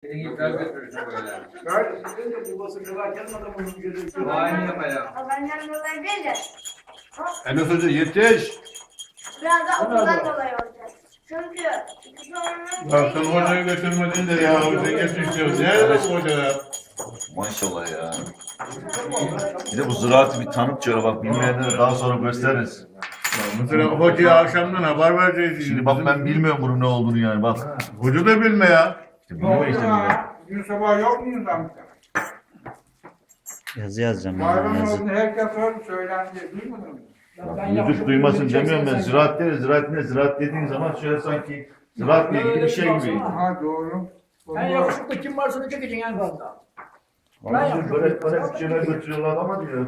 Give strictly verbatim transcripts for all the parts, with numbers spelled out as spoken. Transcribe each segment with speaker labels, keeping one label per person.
Speaker 1: Seni iptal götürürsün böyle.
Speaker 2: Böyle sizin de babası kılarken adamın gözü.
Speaker 1: Aynı yapacağım.
Speaker 3: Benden dolayı değil de.
Speaker 4: Enes Hoca yetiş.
Speaker 3: Biraz da okuldan dolayı olacak. Çünkü ikisi onun
Speaker 4: Ya sen hocayı götürmedin de ya hocayı yetişiyoruz. Nerede bu hoca ya?
Speaker 5: Maşallah ya. Bir de bu ziraatı bir tanıt şöyle bak bilmeyenlere daha sonra gösteririz.
Speaker 4: Mesela hocaya akşamdan haber vereceğiz.
Speaker 5: Şimdi bak ben bilmiyorum bunun ne olduğunu yani bak.
Speaker 4: Hoca da bilme ya.
Speaker 5: İşte bilmiyor işte bilmiyor.
Speaker 2: Gün sabah yok muyuz amca?
Speaker 6: Yazı yazacağım ben.
Speaker 2: Bayram
Speaker 6: Yazı.
Speaker 2: oldu herkes öyle söylendi. Duymadın mı?
Speaker 5: Müdür duymasın demiyorum ben. Ziraat deriz. Ziraat ne? Ziraat dediğin zaman şöyle sanki ziraatla ilgili bir şey gibi.
Speaker 2: Ha doğru.
Speaker 7: En yakışıklı kim varsa onu çekeceksin en fazla.
Speaker 5: Ama böyle böyle bir şeyler götürüyorlar ama diyor.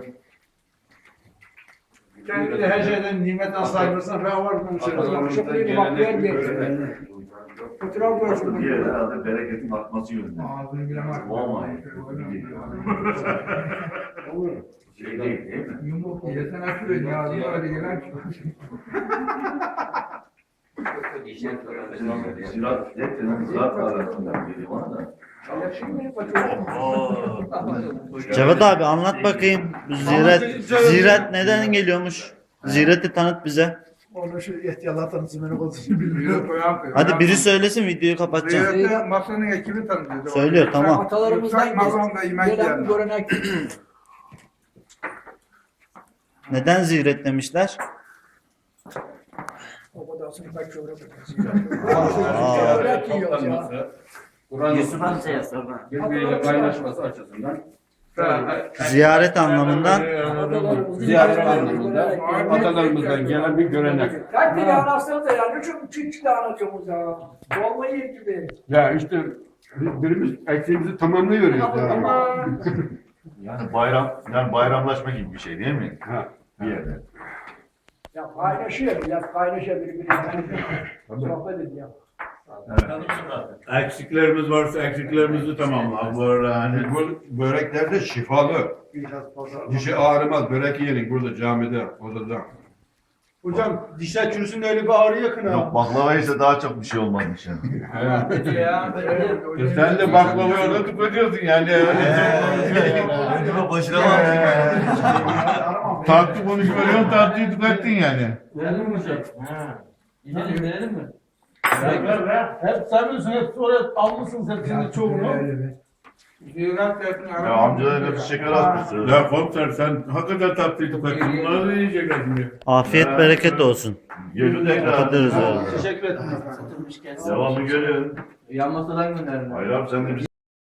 Speaker 2: Kendi de her şeyden nimetten saygısına ben var konuşuyoruz.
Speaker 7: Yakışıklıydı bak yer bir. Fotoğraf görsün.
Speaker 5: Diğer herhalde bereketin artması yönünde.
Speaker 2: Ağzını bilemem.
Speaker 5: Olmay. Şey değil değil mi?
Speaker 2: Yumruk yesen açıyor. Ağzına öyle gelen
Speaker 5: Ziraat, hep ziraat arasından geliyor bana da.
Speaker 6: Cevat abi anlat bakayım. Bu Ziyaret, ziyaret neden geliyormuş? Ziyareti tanıt bize.
Speaker 8: Onu şu ihtiyarlar tanıtsın beni konusunu bilmiyorum.
Speaker 6: Hadi biri söylesin videoyu kapatacağım.
Speaker 2: Ziyarette masanın ekibi tanıtıyor.
Speaker 6: Söylüyor tamam.
Speaker 7: Atalarımızdan
Speaker 2: Yüksek makamda yemek
Speaker 7: gelen
Speaker 2: yiyenler.
Speaker 7: görenek.
Speaker 6: Neden ziyaret demişler?
Speaker 7: O kadar sınıfta çöre
Speaker 6: Aa.
Speaker 7: Börek yiyoruz ya.
Speaker 1: Kur'an'ın birbiriyle kaynaşması açısından.
Speaker 6: Ziyaret anlamından.
Speaker 1: Ziyaret anlamında atalarımızdan gelen bir görenek.
Speaker 7: Kaç bile anlatsanız da ya. Ne çok küçük de anlatıyorsunuz ya. Dolma yer gibi.
Speaker 4: Ya işte birimiz eksiğimizi tamamlıyoruz ya.
Speaker 5: Yani bayram, yani bayramlaşma gibi bir şey değil mi?
Speaker 4: Ha.
Speaker 5: Bir yerde.
Speaker 7: Ya paylaşıyor. Ya paylaşıyor birbirine. Sohbet ediyor.
Speaker 4: Eksiklerimiz varsa eksiklerimizi tamamla. Bu arada hani bu börekler de şifalı. Dişi ağrımaz. Börek yiyelim burada camide, odada.
Speaker 8: Hocam dişler çürüsün de öyle bir ağrı yakın ha.
Speaker 5: Yok baklava ise daha çok bir şey olmazmış yani.
Speaker 4: E sen de baklavayı orada tıklatıyorsun yani.
Speaker 5: Başına bak.
Speaker 4: Tatlı konuşmuyorsun, tatlıyı tıklattın yani.
Speaker 1: Verelim mi hocam? Gidelim verelim mi?
Speaker 7: Hep sen bilirsin. Hep oraya almışsın hepsini çoğunu.
Speaker 2: Ziyaret ettin.
Speaker 5: Ya amcalar hepsi şeker atmışsın.
Speaker 4: Ya komiser sen hakikaten tatlıyı tıklattın. Bunları da yiyecekler şimdi.
Speaker 6: Afiyet bereket olsun.
Speaker 5: Gözü tekrar.
Speaker 6: Kapatırız öyle.
Speaker 8: Teşekkür ederim.
Speaker 5: Devamı görün.
Speaker 1: Yan masadan gönderin.
Speaker 5: Hayır abi sen de bizi